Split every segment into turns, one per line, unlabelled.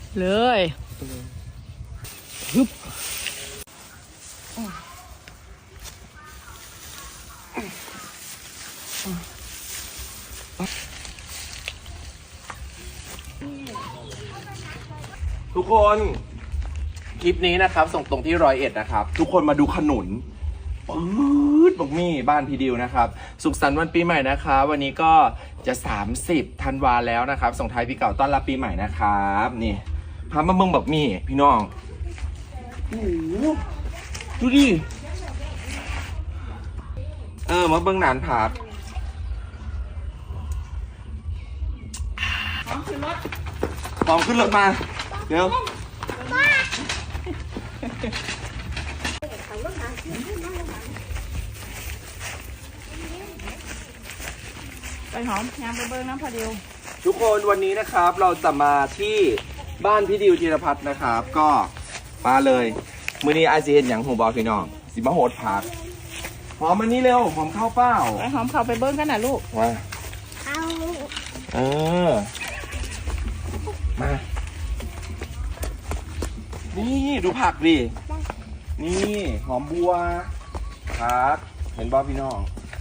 เลยฮึบ
ทุกคนคลิปนี้นะครับส่งตรงที่101นะครับทุกคนมาดูขนุนปื๊ดบอกมี่บ้านพี่ดิวนะครับสุขสันต์วันปีใหม่นะคะวันนี้ก็จะ30ธันวาแล้วนะครับส่งท้ายปีเก่าต้อนรับปีใหม่นะครับนี่พามาเมืองบอกมี่พี่น้องโอ้โหดูดิมาเบื้องหนานผาดพร้อมขึ้นรถมาเร็ว
ไปหอมยางไปเบิ้งน้ำพอดิว
ทุกคนวันนี้นะครับเราจะมาที่บ้านพี่ดิวธีรพัฒน์นะครับก็มาเลยมื้อนี้ไอซีเห็นอย่างหูบอพี่น้องสิมาโหดผักหอมมันนี้เร็วหอมข้าวเปล่า
ไปหอมเข้าไปเบิ้งกันนะลูก
มามานี่ดูผักดินี่หอมบัวผักเห็นบอพี่น้อง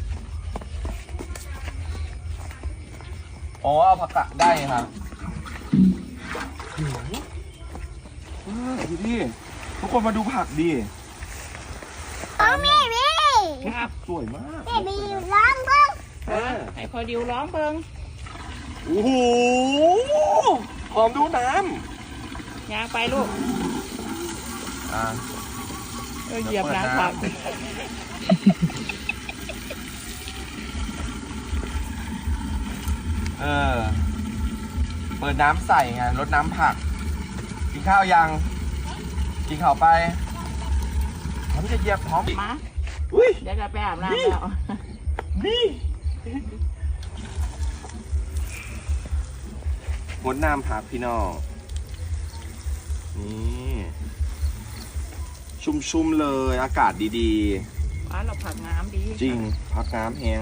อ๋อเอาผักกะได้ครับดูดิทุกคนมาดูผักดิครับสวยมาก
มีร้องเบิ้ง
ให้พอดิวร้องเบิ้ง
โอ้โหหอมดูน้
ำยางไปลูกเหยียบน้ำผัก
เปิดน้ำใส่ไงรดน้ำผักกินข้าวยังกินข้าวไปพร้อมจะเหยียบพร้อม
มาเดี๋ยวจะไปอาบน้ำแล้ว
นี่รดน้ำผักพี่น้องนี่ชุ่มๆเลยอากาศดี
ๆเราผักน้ำดี
จริงผักน้ำแห้ง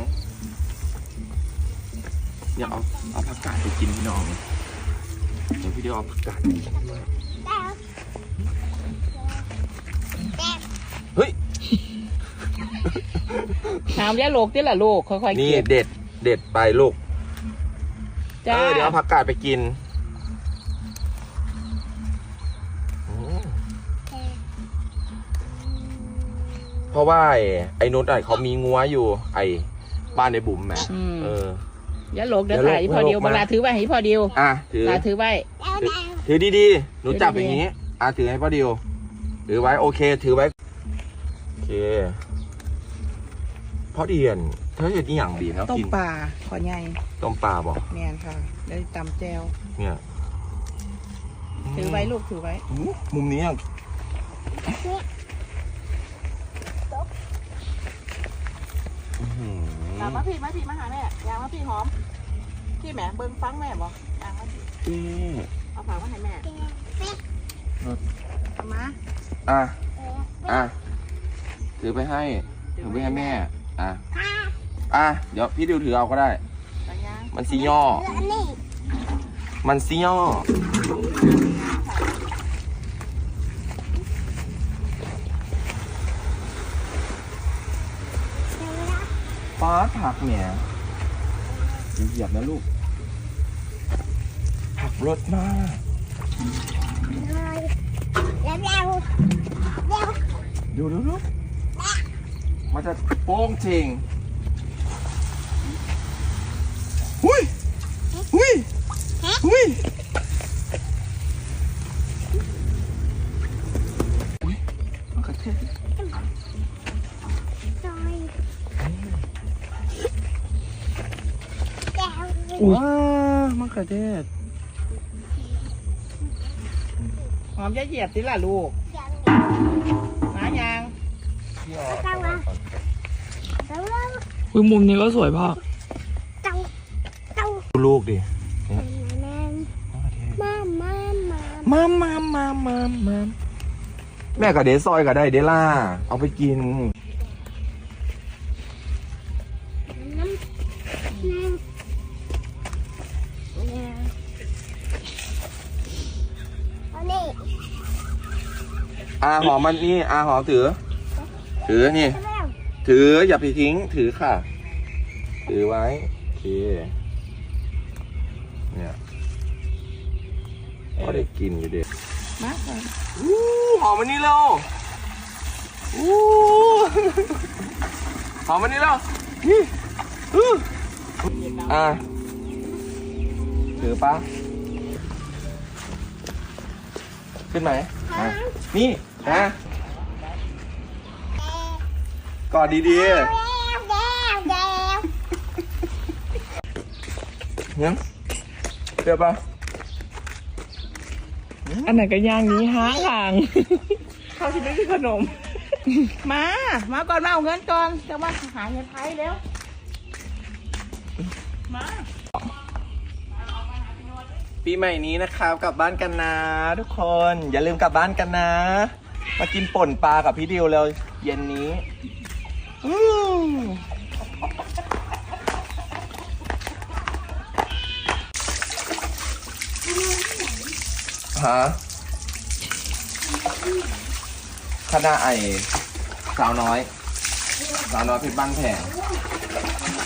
อยากเอาผักกาดไปกินพี่น้องเดี๋ยวพี่เดียวเอาผักกาดไปกินด้วยเฮ้ย
น้ำยาโลกที่ละลูกค่อยๆ
นี่เด็ดไปลูกเดี๋ยวเอาผักกาดไปกินเพราะว่าไอ้นุชเขามีงัวอยู่ไอ้บ้านในบุ๋มแม่
อย่าหลกเดี๋ยวถ่ายพอเดียวมาลาถือไว้ให้พอเดียวถือไว้
ถือดีๆหนูจับอย่างนี้ถือให้พอเดียวถือไว้โอเคถือไว้โอเคพอเดียนเธอเห็นอีหยังดีนะ
ต้มปลาขอใหญ่
ต้มปลาบอก
แม่นค่ะได้ตำแจว
เนี่ย
ถือไว้ลูกถือไว้
มุมนี้
ยางมาพี่มาหาแม่ยางมาพี่หอมพี่แม่เบิ้งฟังแม่บอกยางมาพี่เอาผักมาให้แม่เอามา
ถือไปให้แม่เดี๋ยวพี่ดิวถือเอาก็ได้มันซีย่อฟ้าผักเนี่ยเหยียบนะลูกผักรสมากดูมันจะโป้งจริงหุ้ยมันกระเทศว้ามะเขือเทศ
หอมจะเหยียบสิล่ะลูกหายาง
มุมนี้ก็สวยพ่อ
ดูลูกดิแม่กับเดซอยกับได้เดล่าเอาไปกินหอมมันนี่หอมถือนี่ ถืออย่าไปทิ้งถือค่ะ ถือไว้โอเคเนี่ยก็ได้กินอยู่เด็ก
มาก่อน
หอมมันนี่เร็วหอมมันนี่เร็วนี่ถือปะขึ้นไหมนี่กอดดีๆเนี่ยเปรี้ยวปะ
อันไหนก็ย่างนี้ห้าทาง
เขาที่ไม่มีขนม มาก่อนมาเอาเงินก่อนจะมาหาเงินไทยเร็วมา
ปีใหม่นี้นะครับกลับบ้านกันนะทุกคน อย่าลืมกลับบ้านกันนะ มากินป่นปลากับพี่ดิวเลยเย็นนี้ฮะคณะสาวน้อยเพชรบ้านแพง